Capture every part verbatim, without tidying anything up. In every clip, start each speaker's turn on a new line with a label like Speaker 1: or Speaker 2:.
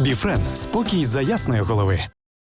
Speaker 1: Біфрен – спокій за ясної голови.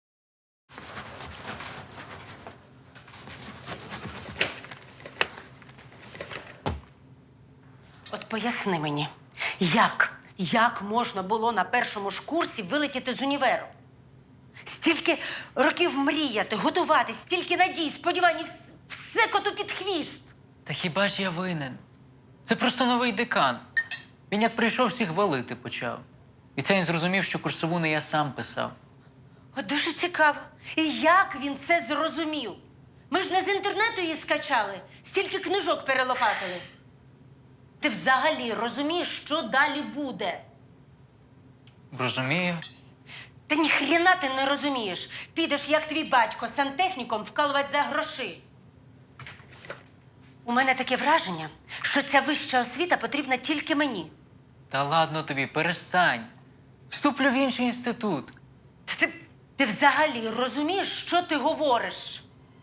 Speaker 2: От поясни мені, як, як можна було на першому ж курсі вилетіти з універу? Стільки років мріяти, готуватись, стільки надій, сподівань, і вс- все коту під хвіст.
Speaker 3: Та хіба ж я винен? Це просто новий декан. Він як прийшов, всіх валити почав. І це він зрозумів, що курсову не я сам писав.
Speaker 2: От дуже цікаво. І як він це зрозумів? Ми ж не з інтернету її скачали, стільки книжок перелопатили. Ти взагалі розумієш, що далі буде?
Speaker 3: Розумію.
Speaker 2: Та ніхрена ти не розумієш. Підеш, як твій батько, сантехніком вкалувати за гроші. У мене таке враження, що ця вища освіта потрібна тільки мені.
Speaker 3: Та ладно тобі, перестань. Вступлю в інший інститут.
Speaker 2: Та Ти, ти взагалі розумієш, що ти говориш?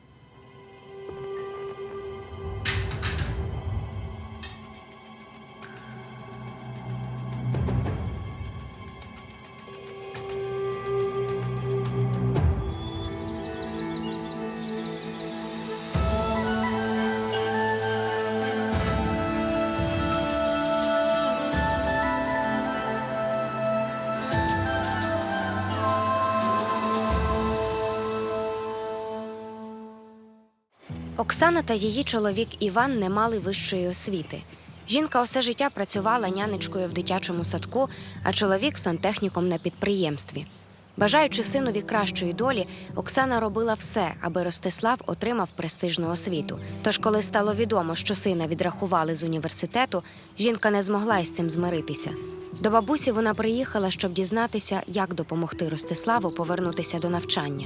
Speaker 4: Оксана та її чоловік Іван не мали вищої освіти. Жінка усе життя працювала нянечкою в дитячому садку, а чоловік – сантехніком на підприємстві. Бажаючи синові кращої долі, Оксана робила все, аби Ростислав отримав престижну освіту. Тож, коли стало відомо, що сина відрахували з університету, жінка не змогла із цим змиритися. До бабусі вона приїхала, щоб дізнатися, як допомогти Ростиславу повернутися до навчання.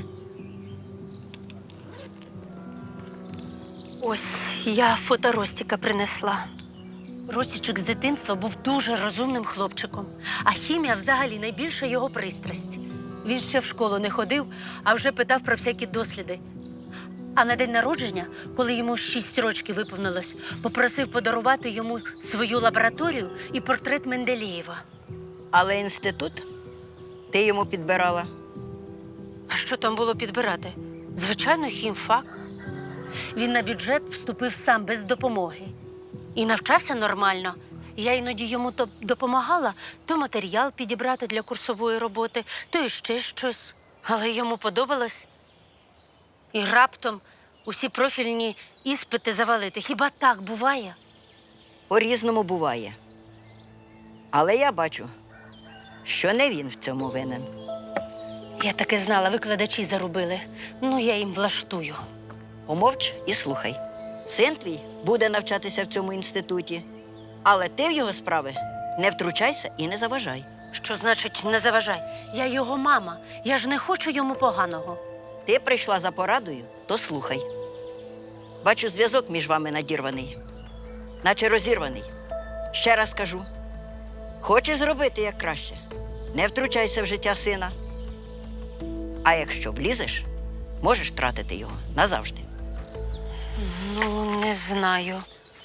Speaker 2: Ось я фото Ростіка принесла. Ростічик з дитинства був дуже розумним хлопчиком, а хімія взагалі найбільша його пристрасть. Він ще в школу не ходив, а вже питав про всякі досліди. А на день народження, коли йому шість років виповнилось, попросив подарувати йому свою лабораторію і портрет Менделєєва.
Speaker 5: Але інститут ти йому підбирала.
Speaker 2: А що там було підбирати? Звичайно, хімфак. Він на бюджет вступив сам без допомоги. І навчався нормально. Я іноді йому то допомагала, то матеріал підібрати для курсової роботи, то іще щось. Але йому подобалось. І раптом усі профільні іспити завалити. Хіба так буває?
Speaker 5: По-різному буває. Але я бачу, що не він в цьому винен.
Speaker 2: Я таки знала, викладачі зарубили. Ну, я їм влаштую.
Speaker 5: Помовч і слухай. Син твій буде навчатися в цьому інституті, але ти в його справи не втручайся і не заважай.
Speaker 2: Що значить не заважай? Я його мама. Я ж не хочу йому поганого.
Speaker 5: Ти прийшла за порадою, то слухай. Бачу, зв'язок між вами надірваний, наче розірваний. Ще раз кажу, хочеш зробити як краще, не втручайся в життя сина. А якщо влізеш, можеш втратити його назавжди.
Speaker 2: Ну, не знаю.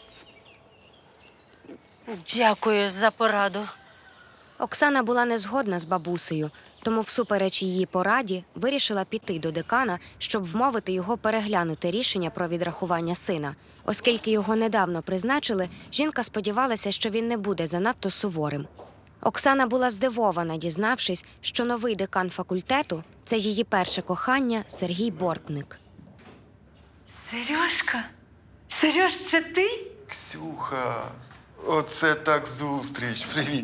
Speaker 2: Дякую за пораду.
Speaker 4: Оксана була не згодна з бабусею, тому всупереч її пораді вирішила піти до декана, щоб вмовити його переглянути рішення про відрахування сина. Оскільки його недавно призначили, жінка сподівалася, що він не буде занадто суворим. Оксана була здивована, дізнавшись, що новий декан факультету – це її перше кохання Сергій Бортник.
Speaker 2: Сережка? Сереж, це ти?
Speaker 6: Ксюха, оце так зустріч. Привіт.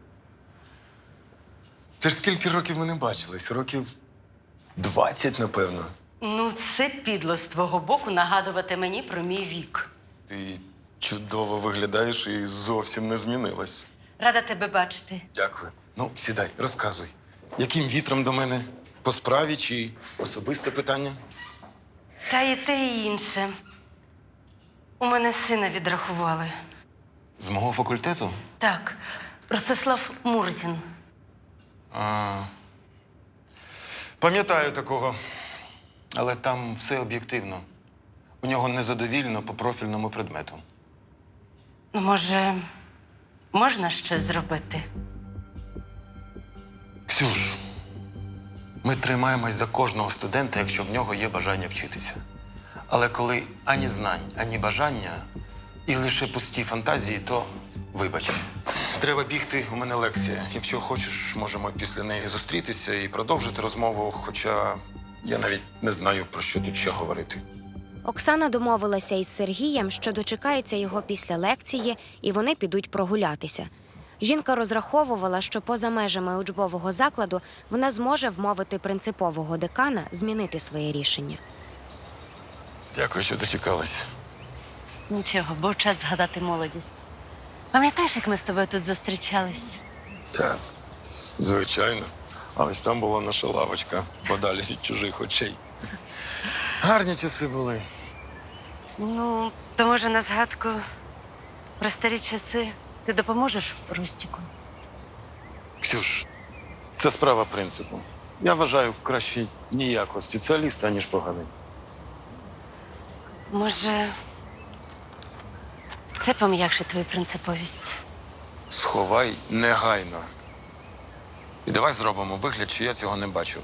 Speaker 6: Це ж скільки років ми не бачились? Років двадцять, напевно.
Speaker 2: Ну, це підло з твого боку нагадувати мені про мій вік.
Speaker 6: Ти чудово виглядаєш і зовсім не змінилась.
Speaker 2: Рада тебе бачити.
Speaker 6: Дякую. Ну, сідай, розказуй. Яким вітром до мене? По справі чи особисте питання?
Speaker 2: Та і те, і інше. У мене сина відрахували.
Speaker 6: З мого факультету?
Speaker 2: Так, Ростислав Мурзін.
Speaker 6: А, пам'ятаю такого. Але там все об'єктивно. У нього незадовільно по профільному предмету.
Speaker 2: Ну, може, можна щось зробити?
Speaker 6: Ксюш, ми тримаємось за кожного студента, якщо в нього є бажання вчитися. Але коли ані знань, ані бажання, і лише пусті фантазії, то вибач. Треба бігти, у мене лекція. Якщо хочеш, можемо після неї зустрітися і продовжити розмову, хоча я навіть не знаю, про що тут ще говорити.
Speaker 4: Оксана домовилася із Сергієм, що дочекається його після лекції, і вони підуть прогулятися. Жінка розраховувала, що поза межами учбового закладу вона зможе вмовити принципового декана змінити своє рішення.
Speaker 6: Дякую, що дочекалась.
Speaker 2: Нічого, був час згадати молодість. Пам'ятаєш, як ми з тобою тут зустрічались?
Speaker 6: Так, звичайно. А ось там була наша лавочка, подалі від чужих очей. Гарні часи були.
Speaker 2: Ну, то може на згадку про старі часи ти допоможеш Рустіку?
Speaker 6: Ксюш, це справа принципу. Я вважаю, краще ніякого спеціаліста, ніж поганий.
Speaker 2: Може, це пом'якшить твою принциповість?
Speaker 6: Сховай негайно. І давай зробимо вигляд, що я цього не бачив.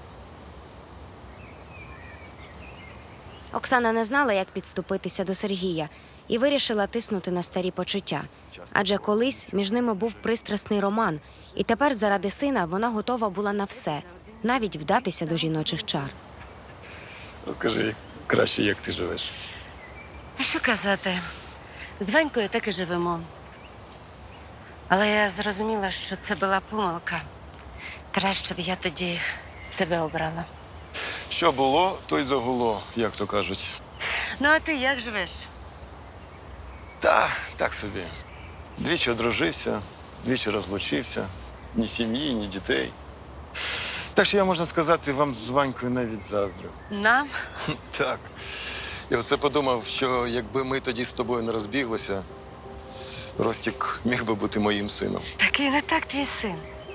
Speaker 4: Оксана не знала, як підступитися до Сергія, і вирішила тиснути на старі почуття. Адже колись між ними був пристрасний роман, і тепер заради сина вона готова була на все, навіть вдатися до жіночих чар.
Speaker 6: Розкажи краще, як ти живеш.
Speaker 2: А що казати? З Ванькою так і живемо. Але я зрозуміла, що це була помилка. Краще б я тоді тебе обрала.
Speaker 6: Що було, то й загуло, як то кажуть.
Speaker 2: Ну, а ти як живеш?
Speaker 6: Та, так собі. Двічі одружився, двічі розлучився. Ні сім'ї, ні дітей. Так що я, можна сказати, вам з Ванькою навіть заздрю.
Speaker 2: Нам?
Speaker 6: Так. Я оце подумав, що якби ми тоді з тобою не розбіглися, Ростік міг би бути моїм сином.
Speaker 2: Такий не так твій син.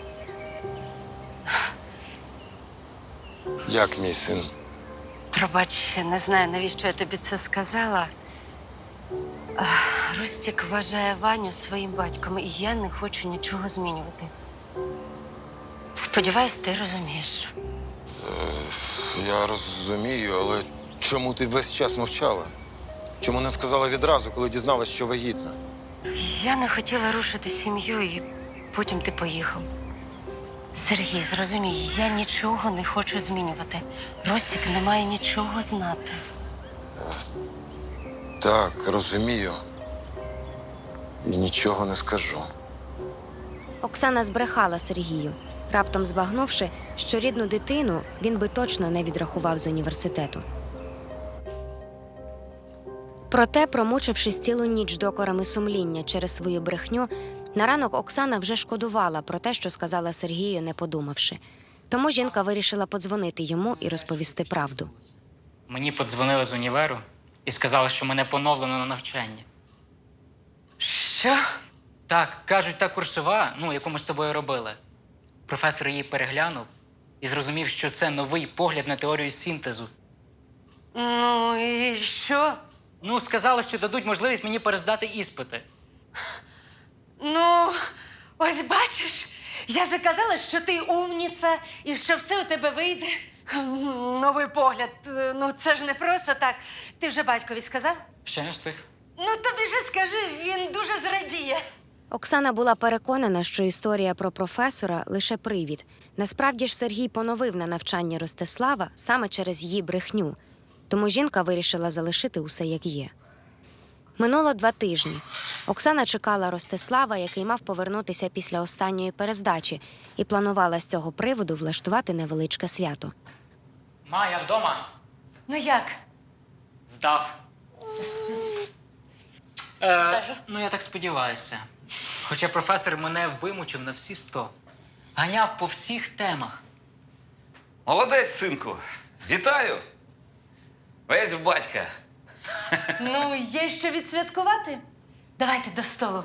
Speaker 6: Як мій син?
Speaker 2: Пробач, не знаю, навіщо я тобі це сказала. Ах, Рустік вважає Ваню своїм батьком, і я не хочу нічого змінювати. Сподіваюсь, ти розумієш.
Speaker 6: Я розумію, але чому ти весь час мовчала? Чому не сказала відразу, коли дізналась, що вагітна?
Speaker 2: Я не хотіла рушити сім'ю, і потім ти поїхав. Сергій, зрозумій, я нічого не хочу змінювати. Ростік не має нічого знати.
Speaker 6: Так, розумію. І нічого не скажу.
Speaker 4: Оксана збрехала Сергію, раптом збагнувши, що рідну дитину він би точно не відрахував з університету. Проте, промучившись цілу ніч докорами сумління через свою брехню, на ранок Оксана вже шкодувала про те, що сказала Сергію, не подумавши. Тому жінка вирішила подзвонити йому і розповісти правду.
Speaker 3: Мені подзвонили з універу і сказали, що мене поновлено на навчання.
Speaker 2: Що?
Speaker 3: Так, кажуть, та курсова, ну, яку ми з тобою робили. Професор її переглянув і зрозумів, що це новий погляд на теорію синтезу.
Speaker 2: Ну і що?
Speaker 3: Ну, сказали, що дадуть можливість мені перездати іспити.
Speaker 2: Ну, ось бачиш, я же казала, що ти умніця і що все у тебе вийде. Новий погляд. Ну, це ж не просто так. Ти вже батькові сказав?
Speaker 3: Ще не встиг.
Speaker 2: Ну, тобі же скажи, він дуже зрадіє.
Speaker 4: Оксана була переконана, що історія про професора – лише привід. Насправді ж Сергій поновив на навчання Ростислава саме через її брехню. Тому жінка вирішила залишити усе як є. Минуло два тижні. Оксана чекала Ростислава, який мав повернутися після останньої перездачі, і планувала з цього приводу влаштувати невеличке свято.
Speaker 3: Ма, я вдома.
Speaker 2: Ну як?
Speaker 3: Здав. Е, ну, я так сподіваюся. Хоча професор мене вимучив на всі сто. Ганяв по всіх темах.
Speaker 7: Молодець, синку. Вітаю. Весь в батька.
Speaker 2: Ну, є що відсвяткувати? Давайте до столу.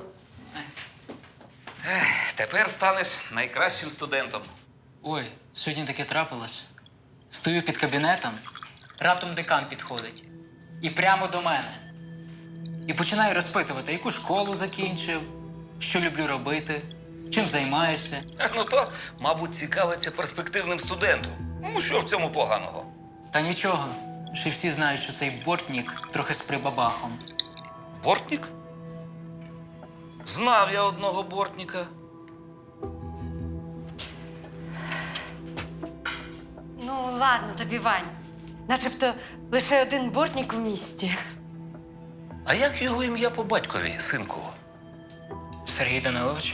Speaker 7: Тепер станеш найкращим студентом.
Speaker 3: Ой, сьогодні таке трапилось. Стою під кабінетом, раптом декан підходить. І прямо до мене. І починає розпитувати, яку школу закінчив, що люблю робити. Чим займаєшся?
Speaker 7: Ну то, мабуть, цікавиться перспективним студентом. Ну, що в цьому поганого?
Speaker 3: Та нічого. Ще й всі знають, що цей бортнік трохи з прибабахом.
Speaker 7: Бортник? Знав я одного бортника.
Speaker 2: Ну, ладно тобі, Вань. Начебто лише один бортник в місті.
Speaker 7: А як його ім'я по батькові, синку?
Speaker 3: Сергій Данилович?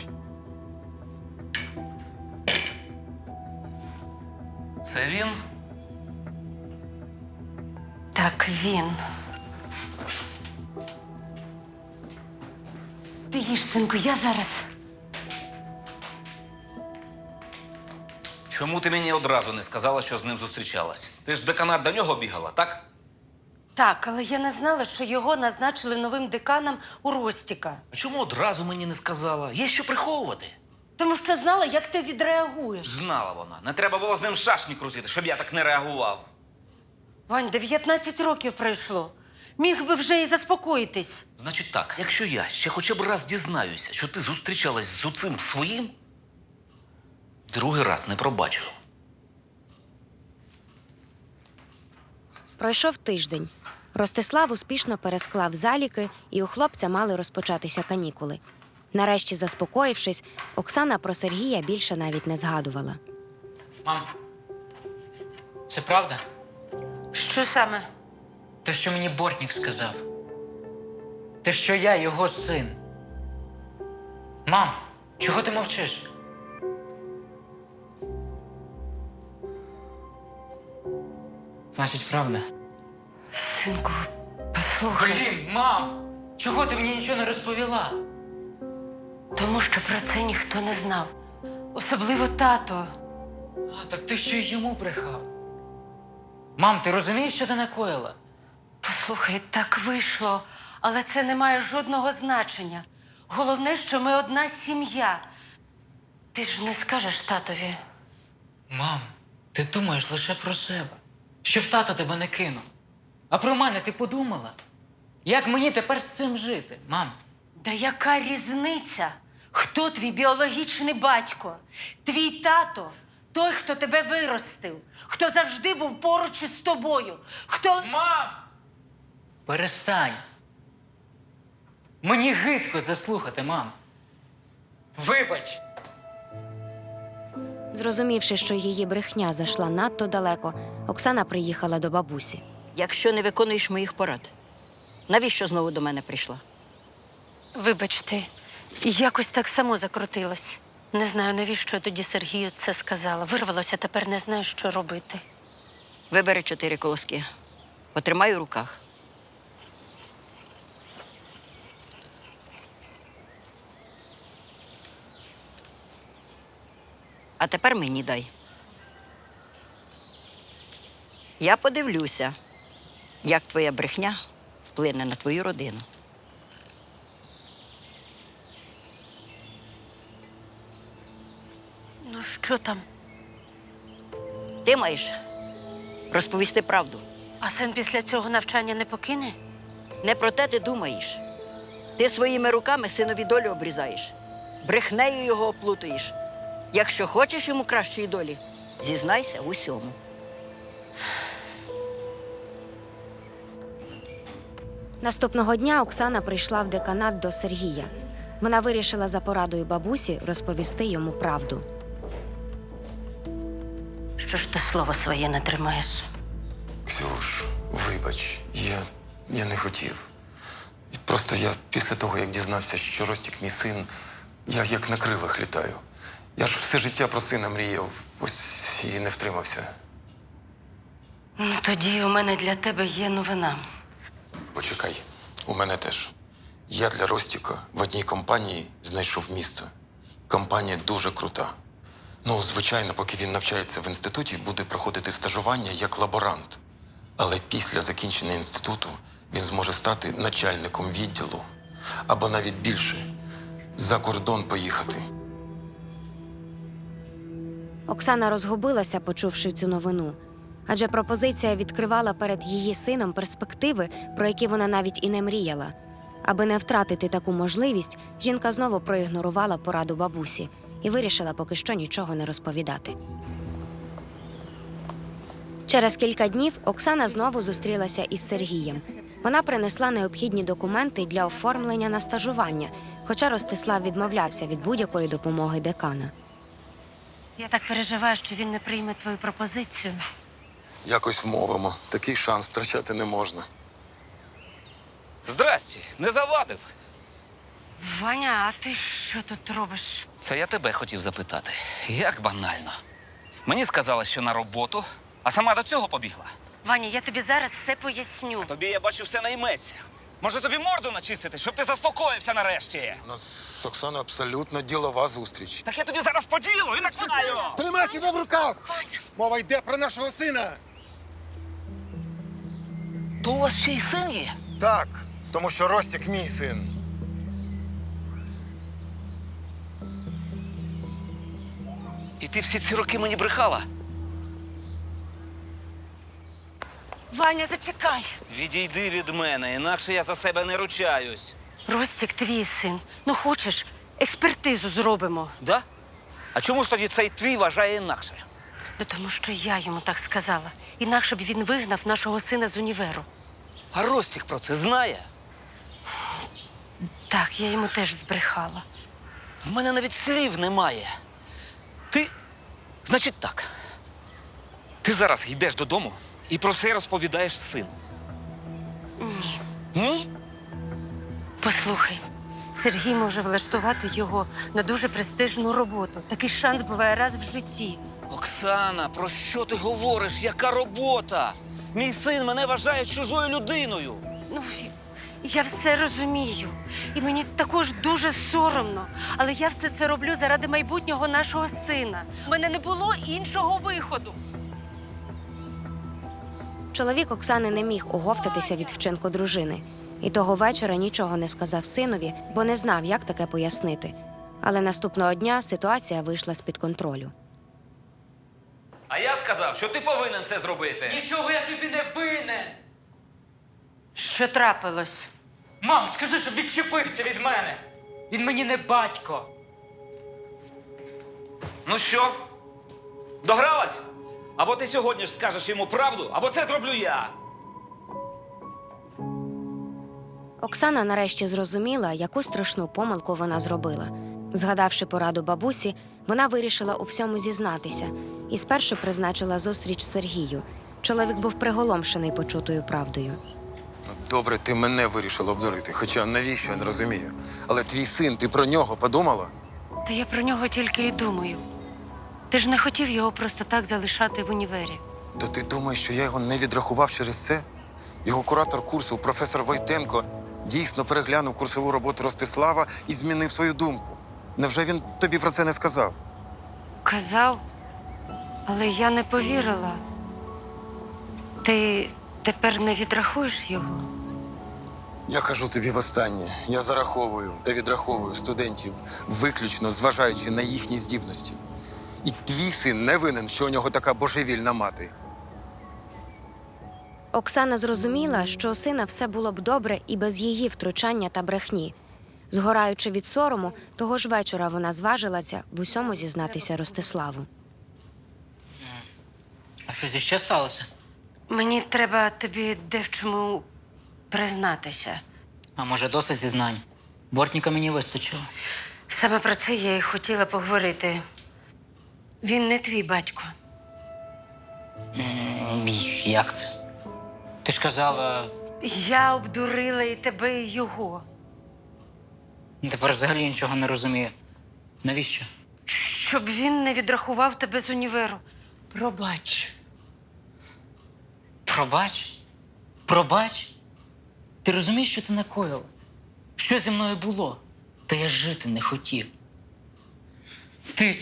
Speaker 7: Це він?
Speaker 2: Так, він. Ти їж, синку, я зараз.
Speaker 7: Чому ти мені одразу не сказала, що з ним зустрічалась? Ти ж в деканат до нього бігала, так?
Speaker 2: Так, але я не знала, що його назначили новим деканом у Ростіка.
Speaker 7: А чому одразу мені не сказала? Є що приховувати?
Speaker 2: Тому що знала, як ти відреагуєш.
Speaker 7: Знала вона. Не треба було з ним шашні крутити, щоб я так не реагував.
Speaker 2: Вань, дев'ятнадцять років пройшло. Міг би вже і заспокоїтись.
Speaker 7: Значить так, якщо я ще хоча б раз дізнаюся, що ти зустрічалась з оцим своїм, другий раз не пробачу.
Speaker 4: Пройшов тиждень. Ростислав успішно пересклав заліки, і у хлопця мали розпочатися канікули. Нарешті, заспокоївшись, Оксана про Сергія більше навіть не згадувала.
Speaker 3: Мам, це правда?
Speaker 2: Що саме?
Speaker 3: Те, що мені бортнік сказав. Те, що я його син. Мам, чого ти мовчиш? Значить, правда?
Speaker 2: Синку, послухай.
Speaker 3: Блін, мам! Чого ти мені нічого не розповіла?
Speaker 2: Тому що про це ніхто не знав. Особливо тато.
Speaker 3: А, так ти ще й йому брехав. Мам, ти розумієш, що ти накоїла?
Speaker 2: Послухай, так вийшло, але це не має жодного значення. Головне, що ми одна сім'я. Ти ж не скажеш татові.
Speaker 3: Мам, ти думаєш лише про себе. Щоб тато тебе не кинув. А про мене ти подумала? Як мені тепер з цим жити, мам?
Speaker 2: Да яка різниця? Хто твій біологічний батько? Твій тато – той, хто тебе виростив, хто завжди був поруч із тобою, хто…
Speaker 3: Мам! Перестань. Мені гидко це слухати, мам. Вибач.
Speaker 4: Зрозумівши, що її брехня зайшла надто далеко, Оксана приїхала до бабусі.
Speaker 5: Якщо не виконуєш моїх порад, навіщо знову до мене прийшла?
Speaker 2: Вибачте, якось так само закрутилось. Не знаю, навіщо я тоді Сергію це сказала. Вирвалося, тепер не знаю, що робити.
Speaker 5: Вибери чотири колоски. Потримай у руках. А тепер мені дай. Я подивлюся, як твоя брехня вплине на твою родину.
Speaker 2: Ну, що там?
Speaker 5: Ти маєш розповісти правду.
Speaker 2: А син після цього навчання не покине?
Speaker 5: Не про те ти думаєш. Ти своїми руками синові долю обрізаєш. Брехнею його оплутуєш. Якщо хочеш йому кращої долі, зізнайся в усьому.
Speaker 4: Наступного дня Оксана прийшла в деканат до Сергія. Вона вирішила за порадою бабусі розповісти йому правду.
Speaker 2: Що ж ти слово своє не тримаєш?
Speaker 6: Ксюш, вибач, я, я не хотів. Просто я після того, як дізнався, що Ростік мій син, я як на крилах літаю. Я ж все життя про сина мріяв, ось і не втримався.
Speaker 2: Ну, тоді у мене для тебе є новина.
Speaker 6: Почекай, у мене теж. Я для Ростіка в одній компанії знайшов місце. Компанія дуже крута. Ну, звичайно, поки він навчається в інституті, буде проходити стажування як лаборант. Але після закінчення інституту він зможе стати начальником відділу. Або навіть більше – за кордон поїхати.
Speaker 4: Оксана розгубилася, почувши цю новину. Адже пропозиція відкривала перед її сином перспективи, про які вона навіть і не мріяла. Аби не втратити таку можливість, жінка знову проігнорувала пораду бабусі і вирішила поки що нічого не розповідати. Через кілька днів Оксана знову зустрілася із Сергієм. Вона принесла необхідні документи для оформлення на стажування, хоча Ростислав відмовлявся від будь-якої допомоги декана.
Speaker 2: Я так переживаю, що він не прийме твою пропозицію.
Speaker 6: Якось вмовимо. Такий шанс втрачати не можна.
Speaker 7: Здрасті, не завадив.
Speaker 2: Ваня, а ти що тут робиш?
Speaker 7: Це я тебе хотів запитати. Як банально. Мені сказали, що на роботу, а сама до цього побігла.
Speaker 2: Ваня, я тобі зараз все поясню.
Speaker 7: Тобі, я бачу, все найметься. Може, тобі морду начистити, щоб ти заспокоївся нарешті?
Speaker 6: У нас з Оксаною абсолютно ділова зустріч.
Speaker 7: Так я тобі зараз поділу і накладаю!
Speaker 8: Тримай себе в руках! Мова йде про нашого сина!
Speaker 7: То у вас ще й син є?
Speaker 6: Так, тому що Ростік мій син.
Speaker 7: І ти всі ці роки мені брехала?
Speaker 2: Ваня, зачекай.
Speaker 7: Відійди від мене, інакше я за себе не ручаюсь.
Speaker 2: Ростік, твій син. Ну хочеш, експертизу зробимо.
Speaker 7: Да? А чому ж тоді цей твій вважає інакше?
Speaker 2: Ну, тому що я йому так сказала. Інакше б він вигнав нашого сина з універу.
Speaker 7: А Ростік про це знає?
Speaker 2: Так, я йому теж збрехала.
Speaker 7: В мене навіть слів немає. Ти, значить так, ти зараз йдеш додому і про це розповідаєш сину.
Speaker 2: Ні.
Speaker 7: Ні?
Speaker 2: Послухай, Сергій може влаштувати його на дуже престижну роботу. Такий шанс буває раз в житті.
Speaker 7: Оксана, про що ти говориш? Яка робота? Мій син мене вважає чужою людиною.
Speaker 2: Ну, я все розумію. І мені також дуже соромно. Але я все це роблю заради майбутнього нашого сина. У мене не було іншого виходу.
Speaker 4: Чоловік Оксани не міг оговтатися від вчинку дружини. І того вечора нічого не сказав синові, бо не знав, як таке пояснити. Але наступного дня ситуація вийшла з-під контролю.
Speaker 7: А я сказав, що ти повинен це зробити.
Speaker 3: Нічого я тобі не винен!
Speaker 2: Що трапилось?
Speaker 3: Мам, скажи, щоб відчепився від мене! Він мені не батько!
Speaker 7: Ну що? Догралась? Або ти сьогодні ж скажеш йому правду, або це зроблю я.
Speaker 4: Оксана нарешті зрозуміла, яку страшну помилку вона зробила. Згадавши пораду бабусі, вона вирішила у всьому зізнатися і спершу призначила зустріч Сергію. Чоловік був приголомшений почутою правдою.
Speaker 6: Ну, добре, ти мене вирішила обдурити, хоча навіщо, я не розумію. Але твій син, ти про нього подумала?
Speaker 2: Та я про нього тільки і думаю. Ти ж не хотів його просто так залишати в універі.
Speaker 6: То ти думаєш, що я його не відрахував через це? Його куратор курсу, професор Войтенко, дійсно переглянув курсову роботу Ростислава і змінив свою думку. Невже він тобі про це не сказав?
Speaker 2: Казав, але я не повірила. Ти тепер не відрахуєш його?
Speaker 6: Я кажу тобі востаннє. Я зараховую та відраховую студентів, виключно зважаючи на їхні здібності. І твій син не винен, що у нього така божевільна мати.
Speaker 4: Оксана зрозуміла, що у сина все було б добре і без її втручання та брехні. Згораючи від сорому, того ж вечора вона зважилася в усьому зізнатися Ростиславу.
Speaker 3: А що зі ще сталося?
Speaker 2: Мені треба тобі де в чому признатися.
Speaker 3: А може, досить зізнань? Бортніка мені вистачило.
Speaker 2: Саме про це я і хотіла поговорити. Він не твій батько.
Speaker 3: М, Як це? Ти ж казала,
Speaker 2: Я обдурила і тебе, і його.
Speaker 3: тепер взагалі нічого не розумію. Навіщо?
Speaker 2: Щоб він не відрахував тебе з універу. Пробач.
Speaker 3: Пробач? Пробач? Ти розумієш, що ти накоїла? Що зі мною було? Та я жити не хотів. Ти...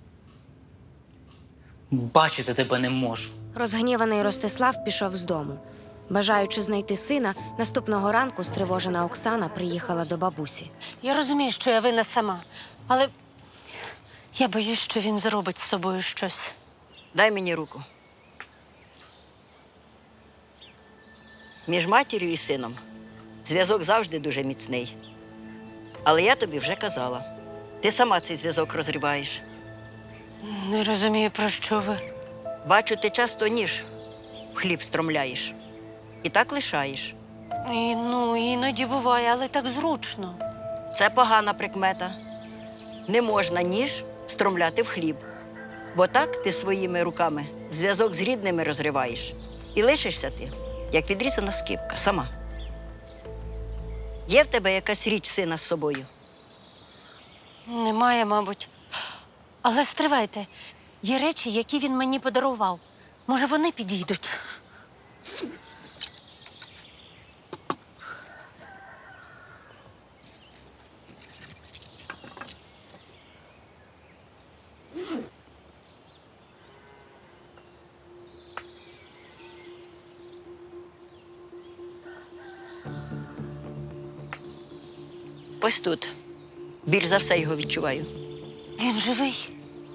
Speaker 3: Бачити тебе не можу.
Speaker 4: Розгніваний Ростислав пішов з дому. Бажаючи знайти сина, наступного ранку стривожена Оксана приїхала до бабусі.
Speaker 2: Я розумію, що я винна сама, але я боюсь, що він зробить з собою щось.
Speaker 5: Дай мені руку. Між матір'ю і сином зв'язок завжди дуже міцний. Але я тобі вже казала. Ти сама цей зв'язок розриваєш.
Speaker 2: Не розумію, про що ви.
Speaker 5: Бачу, ти часто ніж в хліб стромляєш. І так лишаєш.
Speaker 2: І, ну, іноді буває, але так зручно.
Speaker 5: Це погана прикмета. Не можна ніж встромляти в хліб. Бо так ти своїми руками зв'язок з рідними розриваєш. І лишишся ти, як відрізана скипка, сама. Є в тебе якась річ сина з собою?
Speaker 2: Немає, мабуть. Але стривайте, є речі, які він мені подарував. Може, вони підійдуть?
Speaker 5: Ось тут. Більш за все його відчуваю.
Speaker 2: Він живий.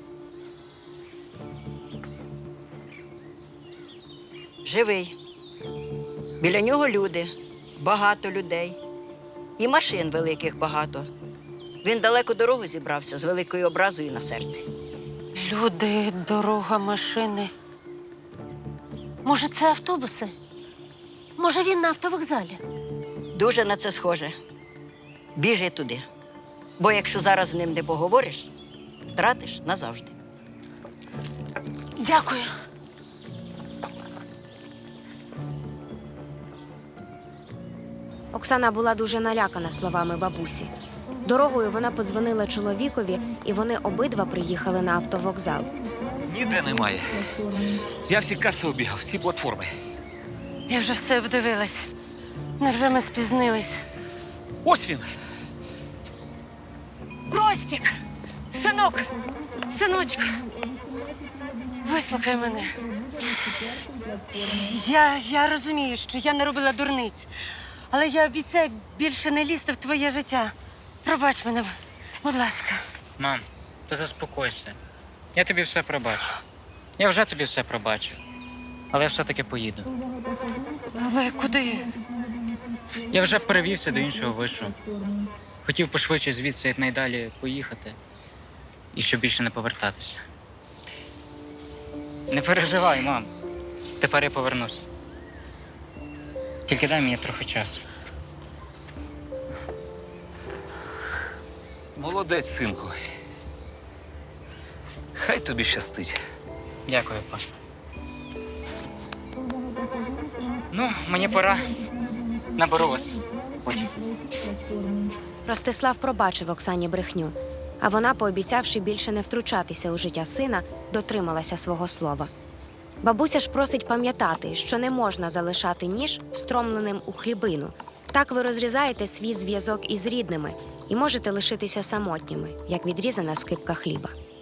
Speaker 5: Живий. Біля нього люди, багато людей. І машин великих багато. Він далеко дорогу зібрався з великою образою на серці.
Speaker 2: Люди, дорога, машини. Може, це автобуси? Може, він на автовокзалі?
Speaker 5: Дуже на це схоже. Біжи туди. Бо якщо зараз з ним не поговориш, втратиш назавжди.
Speaker 2: Дякую.
Speaker 4: Оксана була дуже налякана словами бабусі. Дорогою вона подзвонила чоловікові, і вони обидва приїхали на автовокзал.
Speaker 7: Ніде немає. Я всі каси обігав, всі платформи.
Speaker 2: Я вже все обдивилась. Невже ми спізнились?
Speaker 7: Ось він!
Speaker 2: Ростік! Синок! Синочку! Вислухай мене. Я, я розумію, що я не робила дурниць, але я обіцяю більше не лізти в твоє життя. Пробач мене, будь ласка.
Speaker 3: Мам, ти заспокойся. Я тобі все пробачу. Я вже тобі все пробачив. Але я все-таки поїду.
Speaker 2: Але куди?
Speaker 3: Я вже перевівся до іншого вишу. Хотів пошвидше звідси якнайдалі поїхати. І щоб більше не повертатися. Не переживай, мам. Тепер я повернуся. Тільки дай мені трохи часу.
Speaker 7: Молодець, синку. Хай тобі щастить.
Speaker 3: Дякую, па. Ну, мені пора. Наберу вас потім.
Speaker 4: Ростислав пробачив Оксані брехню, а вона, пообіцявши більше не втручатися у життя сина, дотрималася свого слова. Бабуся ж просить пам'ятати, що не можна залишати ніж встромленим у хлібину. Так ви розрізаєте свій зв'язок із рідними і можете лишитися самотніми, як відрізана скипка хліба.